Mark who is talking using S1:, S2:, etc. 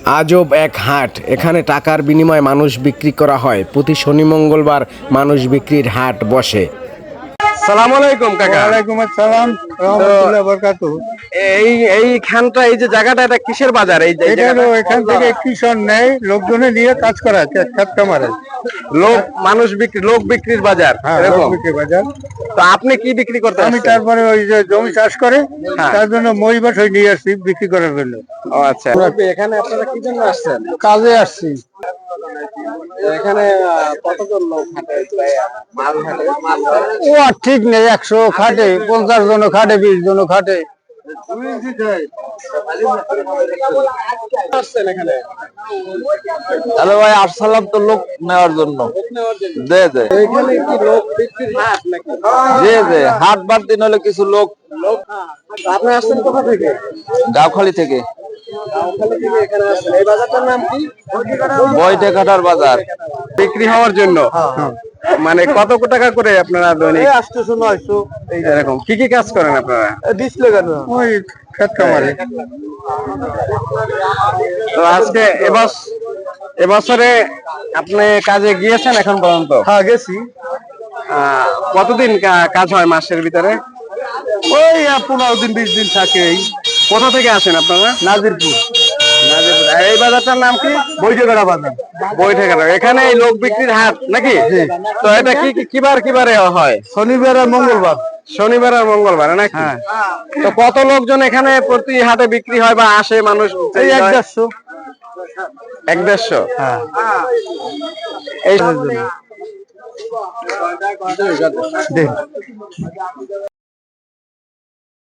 S1: আজব এক হাট। এখানে টাকার বিনিময়ে মানুষ বিক্রি করা হয়। প্রতি শনি মঙ্গলবার মানুষ বিক্রির হাট বসে। সালাম আলাইকুম কাকা।
S2: ওয়ালাইকুম আসসালাম রাহমাতুল্লাহি ওয়া বারাকাতুহু।
S1: এইখানটা এই যে জায়গাটা, এটা কিসের বাজার?
S2: এখান থেকে কৃষক নেয়, লোকজনে নিয়ে কাজ করা খেত কামারে।
S1: লোক বিক্রির বাজার।
S2: হ্যাঁ,
S1: এরকম।
S2: লোক বিক্রি বাজার।
S1: তো আপনি কি বিক্রি করতে
S2: আমি
S1: আসছেন?
S2: তারপরে ওই যে জমি চাষ করে
S1: হ্যাঁ।
S2: তার জন্য মই বাসায় নিয়ে আসছি বিক্রি করার জন্য।
S1: ও আচ্ছা। এখানে আপনারা কি জন্য আসছেন?
S2: কাজে আসছি।
S1: এখানে কতজন লোক হাটে মাল
S2: ও আর ঠিক নেই, 100 খাটে, 50 জন খাটে, 20 জন খাটে।
S3: হ্যালো ভাই, আসসালাম তো লোক নেওয়ার জন্য। দে দে
S1: এখানে কি লোক বিক্রির হাট নাকি?
S3: দে হাট বার দিন হলে কিছু লোক।
S1: আপনি আসছেন কোথা থেকে?
S3: গাবখালি থেকে।
S1: গাঁওখালী থেকে এখানে আসছেন। এই বাজারটার নাম কি?
S3: বইটে কাটার বাজার।
S1: বিক্রি হওয়ার জন্য। মানে কত টাকা করে আপনারা দৈনিক?
S2: 800 900
S1: এরকম কি কি কাজ করেন আপনারা?
S2: ডিসপ্লে কেন ওই খেত কামারে।
S1: তো আজকে এবছরে আপনি কাজে গিয়েছেন এখন পর্যন্ত?
S2: হ্যাঁ, গেছি।
S1: কতদিন কাজ হয় মাসের ভিতরে?
S2: ওই 15 দিন 20 দিন থাকে।
S1: কোথা থেকে আসেন আপনারা?
S2: নাজিরপুর
S1: নাজিরপুর। আর এই বাজারটার নাম কি?
S2: বৈঠেকাটা বাজার।
S1: বৈঠেকাটা। এখানে এই লোক বিক্রির হাট নাকি? তো এটা কিবারে হয়?
S2: শনিবার আর মঙ্গলবার।
S1: শনিবার আর মঙ্গলবার নাকি?
S2: হ্যাঁ।
S1: তো কত লোকজন এখানে প্রতি হাটে বিক্রি হয় বা আসে মানুষ?
S2: এই 150।
S1: 150।
S2: হ্যাঁ।
S1: এই
S2: দেখ